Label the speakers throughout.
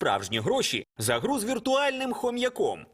Speaker 1: справжні гроші за гру з віртуальним хом'яком.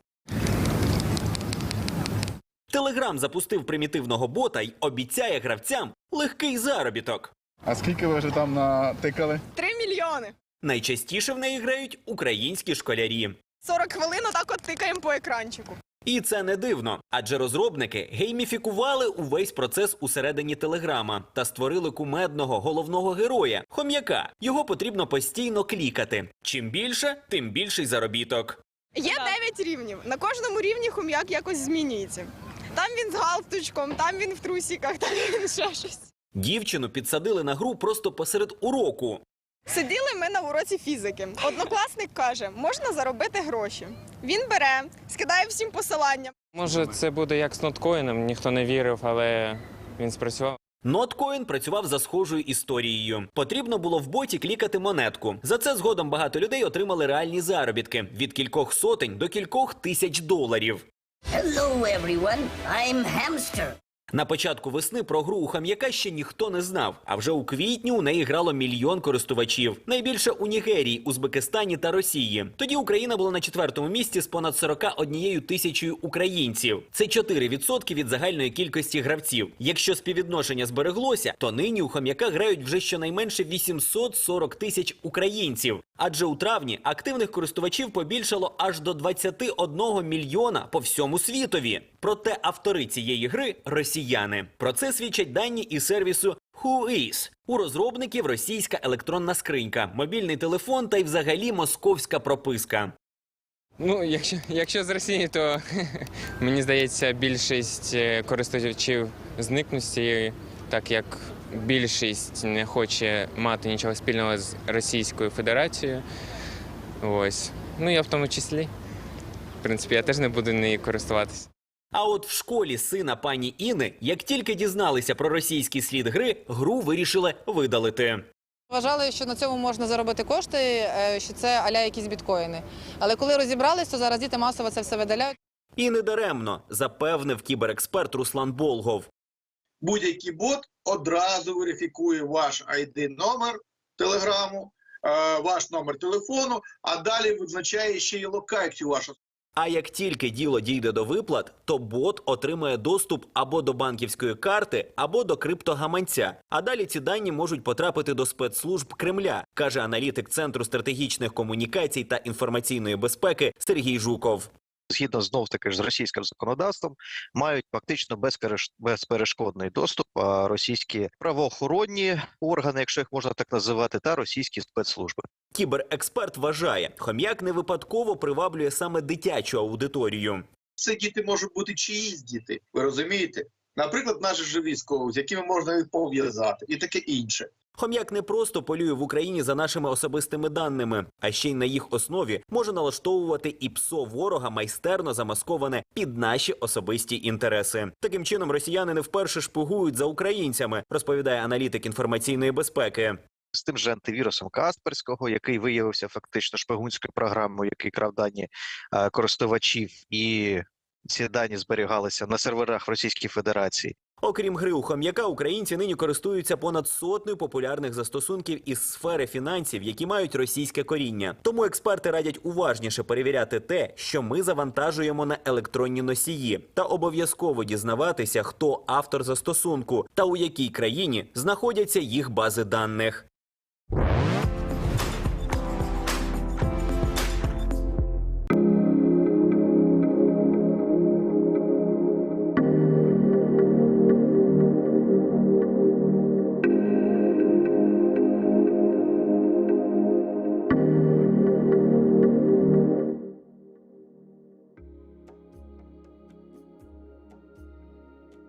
Speaker 1: Телеграм запустив примітивного бота й обіцяє гравцям легкий заробіток.
Speaker 2: А скільки ви вже там натикали?
Speaker 3: 3 мільйони.
Speaker 1: Найчастіше в неї грають українські школярі.
Speaker 3: 40 хвилин отак от тикаємо по екранчику.
Speaker 1: І це не дивно, адже розробники гейміфікували увесь процес усередині Телеграма та створили кумедного головного героя – хом'яка. Його потрібно постійно клікати. Чим більше, тим більший заробіток.
Speaker 3: Є 9 рівнів. На кожному рівні хом'як якось змінюється. Там він з галстучком, там він в трусиках, там він ще щось.
Speaker 1: Дівчину підсадили на гру просто посеред уроку.
Speaker 3: Сиділи ми на уроці фізики. Однокласник каже, можна заробити гроші. Він бере, скидає всім посилання.
Speaker 4: Може, це буде як з ноткоїном, ніхто не вірив, але він спрацював.
Speaker 1: Notcoin працював за схожою історією. Потрібно було в боті клікати монетку. За це згодом багато людей отримали реальні заробітки – від кількох сотень до кількох тисяч доларів.
Speaker 5: Hello, everyone. I'm Hamster.
Speaker 1: На початку весни про гру у хом'яка ще ніхто не знав, а вже у квітні у неї грало 1 мільйон користувачів. Найбільше у Нігерії, Узбекистані та Росії. Тоді Україна була на 4-му місці з понад 41 тисячою українців. Це 4% від загальної кількості гравців. Якщо співвідношення збереглося, то нині у хом'яка грають вже щонайменше 840 тисяч українців. Адже у травні активних користувачів побільшало аж до 21 мільйона по всьому світові. Проте автори цієї гри – росіяни. Про це свідчать дані із сервісу Whois. У розробників російська електронна скринька, мобільний телефон та й взагалі московська прописка.
Speaker 4: Ну, якщо з Росії, то мені здається, більшість користувачів зникнуть з цієї, так як більшість не хоче мати нічого спільного з Російською Федерацією. Ось. Ну, я в тому числі. В принципі, я теж не буду нею користуватися.
Speaker 1: А от в школі сина пані Іни, як тільки дізналися про російський слід гри, гру вирішили видалити.
Speaker 6: Вважали, що на цьому можна заробити кошти, що це а-ля якісь біткоїни. Але коли розібрались, то зараз діти масово це все видаляють.
Speaker 1: І не даремно, запевнив кіберексперт Руслан Болгов.
Speaker 7: Будь-який бот одразу верифікує ваш ID-номер телеграму, ваш номер телефону, а далі визначає ще й локацію вашу.
Speaker 1: А як тільки діло дійде до виплат, то бот отримає доступ або до банківської карти, або до криптогаманця. А далі ці дані можуть потрапити до спецслужб Кремля, каже аналітик Центру стратегічних комунікацій та інформаційної безпеки Сергій Жуков.
Speaker 8: Згідно знов-таки з російським законодавством, мають фактично безперешкодний доступ російські правоохоронні органи, якщо їх можна так називати, та російські спецслужби.
Speaker 1: Кіберексперт вважає, хом'як не випадково приваблює саме дитячу аудиторію.
Speaker 7: Це діти можуть бути чиїсь діти, ви розумієте? Наприклад, наші ж військові, з якими можна їх пов'язати, і таке інше.
Speaker 1: Хом'як не просто полює в Україні за нашими особистими даними, а ще й на їх основі може налаштовувати і ПСО ворога, майстерно замасковане під наші особисті інтереси. Таким чином, росіяни не вперше шпигують за українцями, розповідає аналітик інформаційної безпеки.
Speaker 8: З тим же антивірусом Касперського, який виявився фактично шпигунською програмою, який крав дані користувачів, і ці дані зберігалися на серверах в Російській Федерації.
Speaker 1: Окрім гри у хом'яка, українці нині користуються понад 100 популярних застосунків із сфери фінансів, які мають російське коріння. Тому експерти радять уважніше перевіряти те, що ми завантажуємо на електронні носії, та обов'язково дізнаватися, хто автор застосунку та у якій країні знаходяться їх бази даних.